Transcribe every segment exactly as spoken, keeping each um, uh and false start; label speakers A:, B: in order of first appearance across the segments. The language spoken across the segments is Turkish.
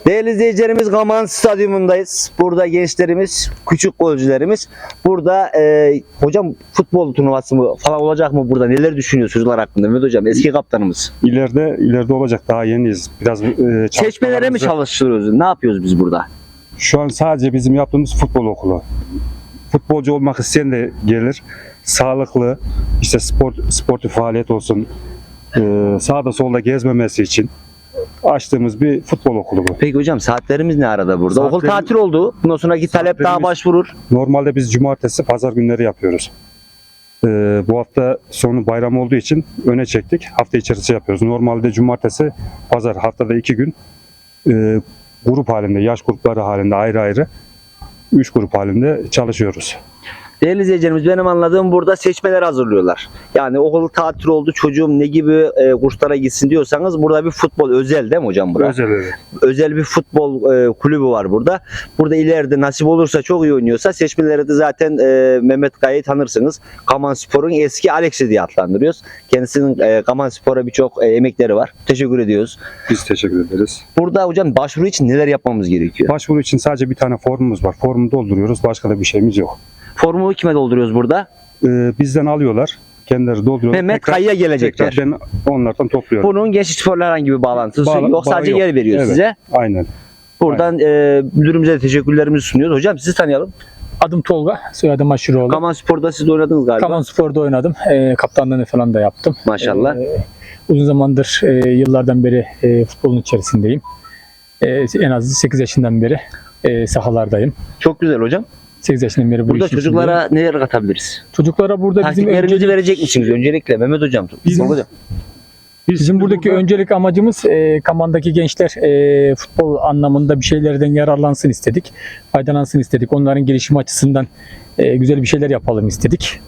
A: Değerli izleyicilerimiz, Gaman Stadyumundayız. Burada gençlerimiz, küçük golcülerimiz. Burada e, hocam futbol turnuvası mı falan olacak mı burada? Neler düşünüyor çocuklar hakkında? Mehmet hocam eski kaptanımız.
B: İleride ileride olacak, daha yeniyiz. Biraz e,
A: Seçmelere mi çalıştırıyoruz? Ne yapıyoruz biz burada?
B: Şu an sadece bizim yaptığımız futbol okulu. Futbolcu olmak isteyen de gelir. Sağlıklı, işte spor sportif faaliyet olsun. E, sağda solda gezmemesi için açtığımız bir futbol okulu bu.
A: Peki hocam saatlerimiz ne arada burada?
B: Saatlerimiz-
A: Okul tatil oldu. Bundan sonraki talep daha
B: Saatlerimiz-
A: başvurur.
B: Normalde biz cumartesi, pazar günleri yapıyoruz. E, bu hafta sonu bayram olduğu için öne çektik. Hafta içerisinde yapıyoruz. Normalde cumartesi, pazar, haftada iki gün e, grup halinde, yaş grupları halinde ayrı ayrı üç grup halinde çalışıyoruz.
A: Değerli izleyicilerimiz, benim anladığım burada seçmeler hazırlıyorlar. Yani okul tatil oldu, çocuğum ne gibi e, kurslara gitsin diyorsanız burada bir futbol özel değil mi hocam burada?
B: Özel evet.
A: Özel bir futbol e, kulübü var burada. Burada ileride nasip olursa, çok iyi oynuyorsa seçmeleri de zaten e, Mehmet Kaya'yı tanırsınız. Kaman Spor'un eski Alex'i diye adlandırıyoruz. Kendisinin e, Kaman Spor'a birçok e, emekleri var. Teşekkür ediyoruz.
B: Biz teşekkür ederiz.
A: Burada hocam başvuru için neler yapmamız gerekiyor?
B: Başvuru için sadece bir tane formumuz var. Formu dolduruyoruz. Başka da bir şeyimiz yok.
A: Formu kime dolduruyoruz burada?
B: Ee, bizden alıyorlar. Kendileri dolduruyorlar.
A: Mehmet
B: Tekrar-
A: Kaya'ya gelecekler.
B: tekrar ben onlardan topluyorum.
A: Bunun Gençlik Spor'la herhangi bir bağlantısı
B: Bağla-
A: yok. Sadece
B: bağı yok.
A: yer veriyor
B: Evet.
A: size.
B: Aynen.
A: Buradan e, müdürümüze de teşekkürlerimizi sunuyoruz. Hocam sizi tanıyalım.
C: Adım Tolga, soyadım Aşıroğlu.
A: Kaman Spor'da siz de oynadınız galiba.
C: Kaman Spor'da oynadım. E, kaptanlığını falan da yaptım.
A: Maşallah.
C: E, uzun zamandır, e, yıllardan beri e, futbolun içerisindeyim. E, en az sekiz yaşından beri e, sahalardayım.
A: Çok güzel hocam.
C: sekiz yaşından beri bu
A: Burada
C: işin
A: çocuklara
C: içindeyim.
A: neler katabiliriz?
C: Çocuklara burada bizim
A: Taktiklerinizi
C: öncelik,
A: verecek misiniz öncelikle Mehmet hocam?
C: Bizim-
A: hocam.
C: bizim buradaki öncelik amacımız e, Kaman'daki gençler e, futbol anlamında bir şeylerden yararlansın istedik. Faydalansın istedik. Onların gelişimi açısından e, güzel bir şeyler yapalım istedik.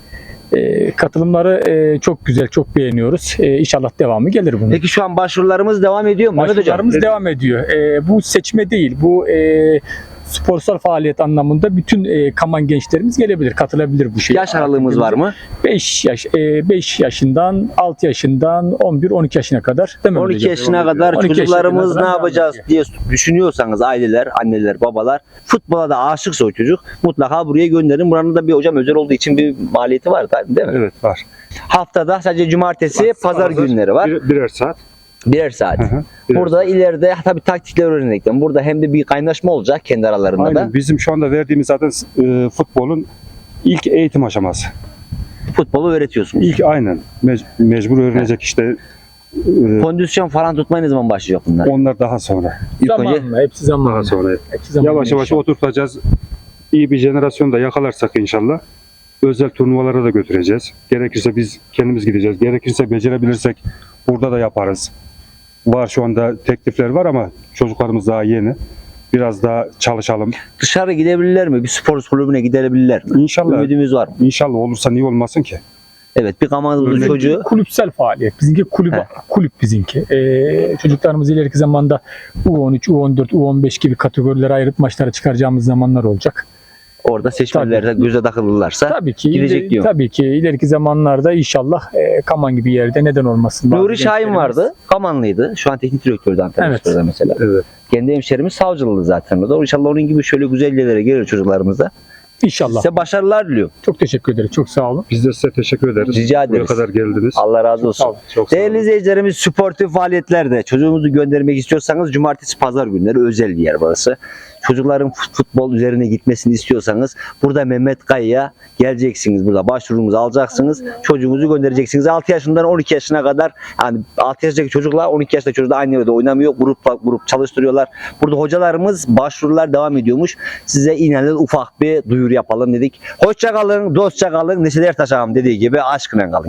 C: E, katılımları e, çok güzel, çok beğeniyoruz. E, İnşallah devamı gelir bunun.
A: Peki şu an başvurularımız devam ediyor mu Mehmet hocam?
C: Başvurularımız devam ediyor. E, bu seçme değil, bu e, sporsal faaliyet anlamında bütün e, Kaman gençlerimiz gelebilir, katılabilir bu şeye.
A: Yaş aralığımız var mı?
C: beş yaş, e, beş yaşından, altı yaşından, on bir on iki yaşına kadar. Değil mi
A: on iki
C: hocam?
A: yaşına kadar
C: on iki
A: çocuklarımız
C: yaşına
A: ne
C: kadar
A: yapacağız
C: devam
A: diye düşünüyorsanız aileler, anneler, babalar, futbola da aşıksa o çocuk mutlaka buraya gönderin. Buranın da bir hocam özel olduğu için bir maliyeti var değil mi?
B: Evet var.
A: Haftada sadece cumartesi, pazar günleri var.
B: Bir, birer saat.
A: Birer saat.
B: Hı hı, birer
A: Burada
B: saat.
A: ileride tabii taktikler öğrenecekler. Burada hem de bir kaynaşma olacak kendi aralarında
B: Aynen.
A: da.
B: Bizim şu anda verdiğimiz zaten e, futbolun ilk eğitim aşaması.
A: Futbolu öğretiyorsunuz.
B: İlk aynen. Mec- mecbur öğrenecek işte. e,
A: Kondisyon falan tutmaya ne zaman başlayacak bunlar?
B: onlar daha sonra.
A: İlk önce
C: Zamanla, hepsi zamanla.
B: Daha sonra.
C: Hepsi zamanla
B: Yavaş yavaş
C: inşallah.
B: oturtacağız. İyi bir jenerasyon da yakalarsak inşallah özel turnuvalara da götüreceğiz. Gerekirse biz kendimiz gideceğiz. Gerekirse becerebilirsek burada da yaparız. Var şu anda teklifler var ama çocuklarımız daha yeni. Biraz daha çalışalım.
A: dışarı gidebilirler mi? Bir spor kulübüne gidebilirler mi?
B: İnşallah.
A: Ümidimiz var mı?
B: İnşallah olursa niye olmasın ki?
A: Evet, bir Kaman'ın
B: Örnek-
A: çocuğu
C: Kulüpsel faaliyet. Bizimki kulüp,
A: He.
C: kulüp bizimki. Ee, çocuklarımız ileriki zamanda U on üç, U on dört, U on beş gibi kategorilere ayırıp maçlara çıkaracağımız zamanlar olacak.
A: orada seçmelerde göze takılırlarsa.
C: Tabii ki.
A: Gidecek
C: ileri-
A: diyor.
C: Tabii ki ileriki zamanlarda inşallah e, Kaman gibi yerde neden olmasın. Bazı
A: Nuri Şahin
C: gençlerimiz-
A: vardı. Kamanlıydı. Şu an teknik direktördü Antalyaspor'da
C: Evet.
A: mesela.
B: Evet.
A: Kendi hemşerimiz savcılığı zaten. O da İnşallah onun gibi şöyle güzel yerlere gelir çocuklarımıza.
C: İnşallah.
A: Size başarılar diliyorum.
C: Çok teşekkür ederim. Çok sağ olun.
B: Biz de size teşekkür ederiz.
A: Rica
B: Buraya
A: ederiz.
B: kadar geldiniz.
A: Allah razı olsun.
C: Sağ olun.
B: Çok sağ olun.
A: Değerli izleyicilerimiz, sportif faaliyetlerde çocuğunuzu göndermek istiyorsanız cumartesi pazar günleri özel bir yer burası. Çocukların fut- futbol üzerine gitmesini istiyorsanız burada Mehmet Kaya'ya geleceksiniz. Burada başvurunuzu alacaksınız. Çocuğunuzu göndereceksiniz. altı yaşından on iki yaşına kadar, yani altı yaşındaki çocukla on iki yaşındaki çocuk da aynı yerde oynamıyor. Grup grup çalıştırıyorlar. Burada hocalarımız başvurular devam ediyormuş. Size inanın ufak bir duyuru yapalım dedik. Hoşça kalın, dostça kalın. Neşet Ertaş ağam dediği gibi aşkına kalın.